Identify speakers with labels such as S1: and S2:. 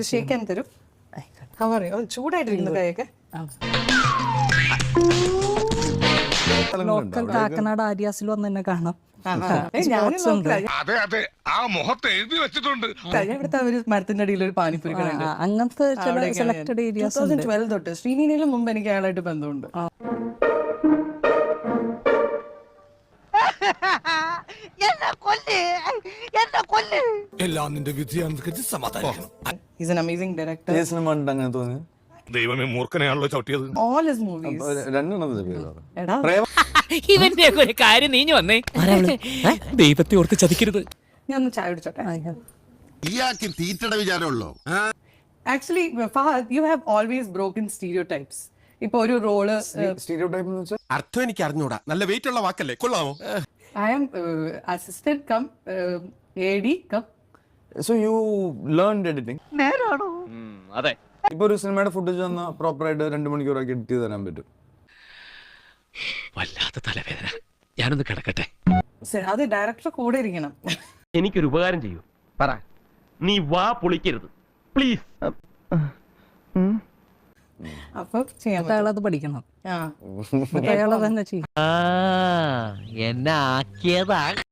S1: ഷേക്കാൻ തരും. പറയോ ചൂടായിട്ടിരിക്കുന്നു കൈയൊക്കെ.
S2: ലോക്കൽ കാക്കനാട് ആര്യാസിൽ വന്ന് തന്നെ കാണാം.
S1: ഇവിടുത്തെ ഒരു മരത്തിന്റെ അടിയിൽ ഒരു പാനിപ്പൂരി കടയുണ്ട്.
S2: അങ്ങനത്തെ ചില സെലക്ടഡ് ഏരിയാസ്
S1: 2012 തൊട്ട് ശ്രീനീനയിലും മുമ്പ് എനിക്ക് അയാളായിട്ട് ബന്ധമുണ്ട്.
S3: എല്ലാം നിന്റെ വിധിയാണെന്ന് സമാധാനിക്കണം.
S1: He's an amazing director.
S4: അങ്ങനെ തോന്നി.
S3: ദൈവമേ മൂർഖനെയാണല്ലോ ചവിട്ടിയത്.
S1: All his movies.
S4: രണ്ടെണ്ണത്തിന്റെ പേര്
S1: എടാ
S5: ഇവന്റെ ഒരു കാര്യം നീഞ്ഞു വന്നേ. ദൈവത്തെ ഓർത്ത് ചതിക്കരുത്.
S1: ഞാൻ ഒന്ന് ചായ കുടിച്ചോട്ടെ.
S6: ഇയാൾക്ക് തീറ്റയുടെ വിചാരമുള്ളോ?
S1: Actually Fahad, you have always broken stereotypes. ഇപ്പൊ ഒരു റോള്
S4: സ്റ്റീരിയോടൈപ്പ് എന്ന് വെച്ചാൽ
S3: അർത്ഥം എനിക്ക് അറിഞ്ഞൂടാ. നല്ല വെയിറ്റ് ഉള്ള വാക്കല്ലേ, കൊള്ളാമോ?
S1: I am assistant come AD come.
S4: So you learned editing.
S5: അതെ.
S4: ഇപ്പൊ ഒരു സിനിമയുടെ ഫുട്ടേജ് വന്നാൽ പ്രോപ്പറായിട്ട് 2 മണിക്കൂറൊക്കെ എഡിറ്റ് ചെയ്ത് തരാൻ പറ്റും.
S5: വല്ലാത്ത തലവേദന. ഞാനൊന്ന് കിടക്കട്ടെ.
S1: അത് ഡയറക്ടർ കൂടെ ഇരിക്കണം.
S7: എനിക്കൊരു ഉപകാരം ചെയ്യൂ. പറ. നീ വാ പൊളിക്കരുത് പ്ലീസ്.
S1: അപ്പൊ ചെയ്യാൻ
S2: അയാളത് പഠിക്കണം.
S1: ആ
S2: അയാളെ തന്നെ ചെയ്യും.
S5: എന്നെ ആക്കിയതാ.